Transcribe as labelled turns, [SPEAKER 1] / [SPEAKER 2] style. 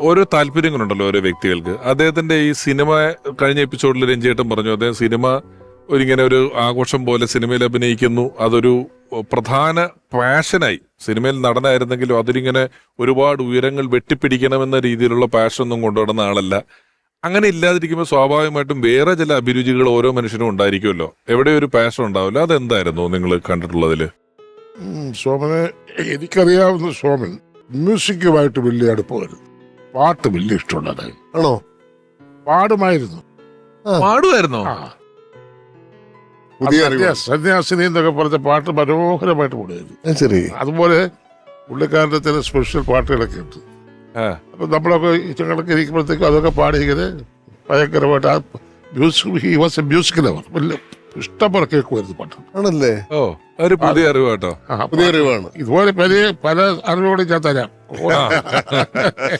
[SPEAKER 1] ഓരോ താല്പര്യങ്ങളുണ്ടല്ലോ ഓരോ വ്യക്തികൾക്ക്. അദ്ദേഹത്തിന്റെ ഈ സിനിമ കഴിഞ്ഞ എപ്പിസോഡിൽ രഞ്ജിയേട്ടൻ പറഞ്ഞു അദ്ദേഹം സിനിമ ഇങ്ങനെ ഒരു ആഘോഷം പോലെ സിനിമയിൽ അഭിനയിക്കുന്നു, അതൊരു പ്രധാന പാഷനായി. സിനിമയിൽ നടനായിരുന്നെങ്കിലും അതിലിങ്ങനെ ഒരുപാട് ഉയരങ്ങൾ വെട്ടിപ്പിടിക്കണമെന്ന രീതിയിലുള്ള പാഷനൊന്നും കൊണ്ടുവരുന്ന ആളല്ല. അങ്ങനെ ഇല്ലാതിരിക്കുമ്പോൾ സ്വാഭാവികമായിട്ടും വേറെ ചില അഭിരുചികൾ ഓരോ മനുഷ്യനും ഉണ്ടായിരിക്കുമല്ലോ. എവിടെ ഒരു പാഷൻ ഉണ്ടാവില്ല. അതെന്തായിരുന്നു നിങ്ങൾ കണ്ടിട്ടുള്ളതില്?
[SPEAKER 2] സോമനെ എനിക്കറിയാവുന്ന സോമൻ മ്യൂസിക്കുമായിട്ട് വലിയ അടുപ്പമായിരുന്നു. പാട്ട് വലിയ ഇഷ്ടമുള്ളതായി.
[SPEAKER 3] ആണോ?
[SPEAKER 2] പാടുമായിരുന്നു.
[SPEAKER 1] പാടുമായിരുന്നോ?
[SPEAKER 3] പുതിയ അറിവ്.
[SPEAKER 2] സന്യാസിനി എന്നൊക്കെ പറഞ്ഞ പാട്ട് മനോഹരമായിട്ട് പാടുമായിരുന്നു.
[SPEAKER 3] ശരി.
[SPEAKER 2] അതുപോലെ പുള്ളിക്കാരന്റെ ചില സ്പെഷ്യൽ പാട്ടുകളൊക്കെ ഉണ്ട്. അപ്പൊ നമ്മളൊക്കെ ഇച്ചങ്ങളൊക്കെ ഇരിക്കുമ്പോഴത്തേക്കും അതൊക്കെ പാടി ഇങ്ങനെ ഭയങ്കരമായിട്ട് ആ മ്യൂസിക് ലവർ വലിയ ഇഷ്ടംപോലെ കേൾക്കുമായിരുന്നു പാട്ട്.
[SPEAKER 3] ആണല്ലേ?
[SPEAKER 1] ഓ, ഒരു പുതിയ അറിവ് കേട്ടോ.
[SPEAKER 3] പുതിയ അറിവാണ്.
[SPEAKER 2] ഇതുപോലെ പല അറിവുകളും ഞാൻ തരാം.